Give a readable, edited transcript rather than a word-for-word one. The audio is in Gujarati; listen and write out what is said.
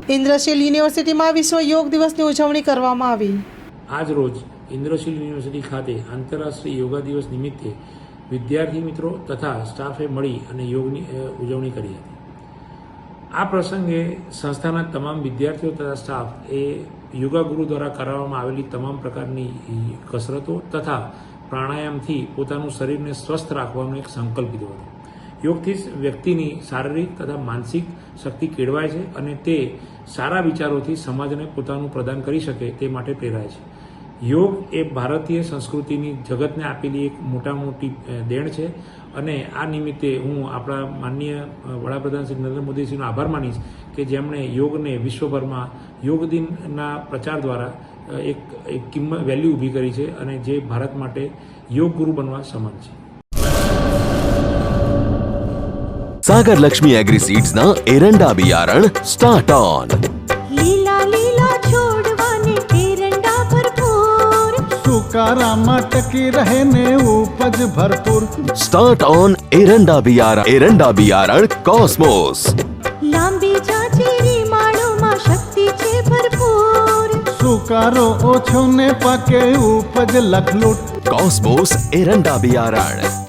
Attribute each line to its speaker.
Speaker 1: ઇન્દ્રશીલ યુનિવર્સિટીમાં વિશ્વ યોગ દિવસની ઉજવણી કરવામાં આવી.
Speaker 2: આજ રોજ ઇન્દ્રશીલ યુનિવર્સિટી ખાતે આંતરરાષ્ટ્રીય યોગા દિવસ નિમિત્તે વિદ્યાર્થી મિત્રો તથા સ્ટાફે મળી અને યોગની ઉજવણી કરી હતી. આ પ્રસંગે સંસ્થાના તમામ વિદ્યાર્થીઓ તથા સ્ટાફ એ યોગા ગુરુ દ્વારા કરાવવામાં આવેલી તમામ પ્રકારની કસરતો તથા પ્રાણાયામથી પોતાનું શરીરને સ્વસ્થ રાખવાનો એક સંકલ્પ લીધો હતો. યોગથી વ્યક્તિની શારીરિક તથા માનસિક શક્તિ કેળવાય છે અને તે સારા વિચારોથી સમાજને પોતાનું પ્રદાન કરી શકે તે માટે પ્રેરાય છે. યોગ એ ભારતીય સંસ્કૃતિની જગતને આપેલી એક મોટી દેણ છે અને આ નિમિત્તે હું આપણા માનનીય વડાપ્રધાન શ્રી નરેન્દ્ર મોદીજીનો આભાર માનીશ કે જેમણે યોગને વિશ્વભરમાં યોગ દિનના પ્રચાર દ્વારા એક વેલ્યુ ઊભી કરી છે અને જે ભારત માટે યોગ ગુરુ બનવા સમાન છે.
Speaker 3: सागर लक्ष्मी एग्रीसीड्स ना एरंडा बियारण स्टार्ट ऑन.
Speaker 4: લીલા લીલા છોડવાને એરંડા ભરપૂર,
Speaker 5: સુકારામાં ટકી રહે ને ઉપજ ભરપૂર.
Speaker 3: स्टार्ट ऑन एरंडा बियारण कॉस्मोस.
Speaker 4: લાંબી જાચેરી માળોમાં શક્તિ છે ભરપૂર.
Speaker 5: સુકારો ઓછો ને પાકે ઉપજ લખલૂટ.
Speaker 3: कॉस्मोस एरंडा बियारण.